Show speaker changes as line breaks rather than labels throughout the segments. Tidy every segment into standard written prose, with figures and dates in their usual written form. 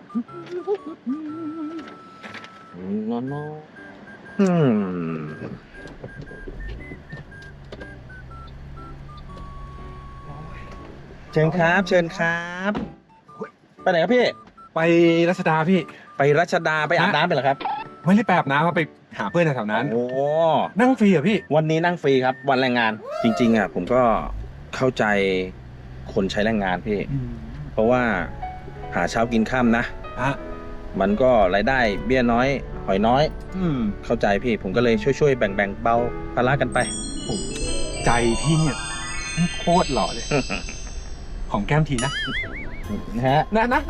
เชิญครับเชิญครับไปไหนครับพี่
ไปรัชดาพี่
ไปรัชดาไปอาบน้ำไปเหรอครับ
ไม่ได้ไปอาบน้ำไปหาเพื่อนแถวนั้น
โอ้
นั่งฟรีเหรอพี่
วันนี้นั่งฟรีครับวันแรงงานจริงๆอ่ะผมก็เข้าใจคนใช้แรงงานพี่เพราะว่าหาเช้ากินค่ำนะมันก็รายได้เบี้ยน้อยหอยน้อยเข้าใจพี่ผมก็เลยช่วยแบ่งเบาภาระกันไป
ใจพี่เนี่ยโคตรหล่อเลยของแก้มทีนะนะ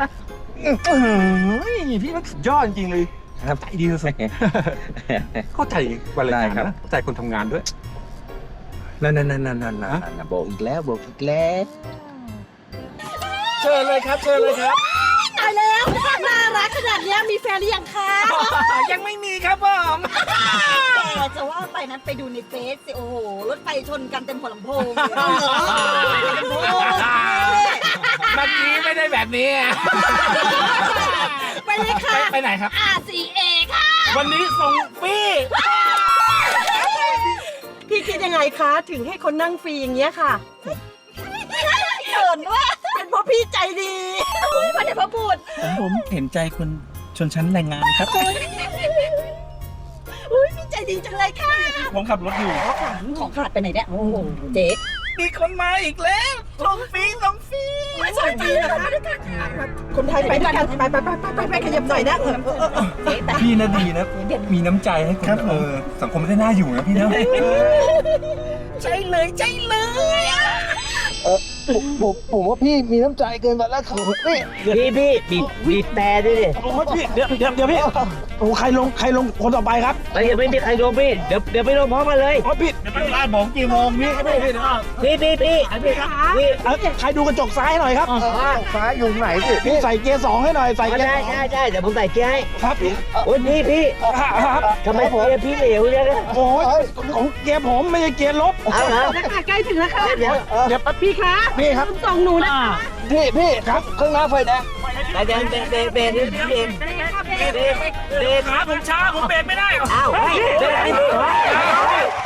พี่มันสุดยอดจริงๆเลยครับใจดีสุดๆเข้าใจวันเลยครับเข้าใจคนทำงานด้วย
นั่นบอกอีกแล้วเชิญเลยครับ
ตายแล้วน่ารักขนาดนี้มีแฟนหรือยังคะ
ยังไม่มีครับผม
แต่จะว่าไปนั้นไปดูในเฟซสิโอ้โหรถไฟชนกันเต็มหัวลำโพงเ
มื่อกี้ไม่ได้แบบนี้
ไปเลยค่ะ
ไปไหนครับ
RCA ค่ะ
วันนี้ส่งฟรี
พี่คิดยังไงคะถึงให้คนนั่งฟรีอย่างเงี้ยค่ะเขินด้วยเป็นเพราะพี่ใจดีไม่ได้เพราะพูด
ผมเห็นใจคนชนชั้นแรงงานครับ
พี่ใจดีจังเลยค่ะ
ผมขับรถอยู่
ของขาดไปไหนเนี่ยโอ้โหเจ๊
มีคนมาอีกแล้วส่งฟรี
ไม่สนใจนะคะคนไทยไปด้วยกันไปขยับหน่อยนะ
พี่นะดีนะมีน้ำใจให้คนสังคมได้น่าอยู่นะพี่นะ
ใช่เลย
ผมว่าพี่มีน้ำใจเกินไปแล้วครับ
พี่บีบแต่ด้วยดิ
พี่เดี๋ยวพี่โอ้ใครลงคนต่อไปครับ
ยังไม่มีใครลงพี่เดี๋ยวไปลงพร้อมกันเลย
พี่ร้านผมกี่โมงพี่ใครดูกระจกซ้ายหน่อยครับ
ซ้ายอยู่ไหนสิ
พี่ใส่เกียร์2ให้หน่อยใส่เกียร์
ใช่เดี๋ยวผมใส่เกียร์ให้
ครับ
โอ้ยพี่ทำไมเกียร์พี่เหลวเนี่ย
โอ้ยของเกียร์ผมไม่ใช่เกียร์ลบ
เอาเหรอ
ใกล้ถึงแล้วค่ะ
เดี๋ยว
พี่คะ
พี่ครับ
ส่งหนูนะ
พี่ครับเครื่องหน้าไฟแดง
เบรก
ขาผมช้าผมเบรกไม่ได้
อ้าวเบรก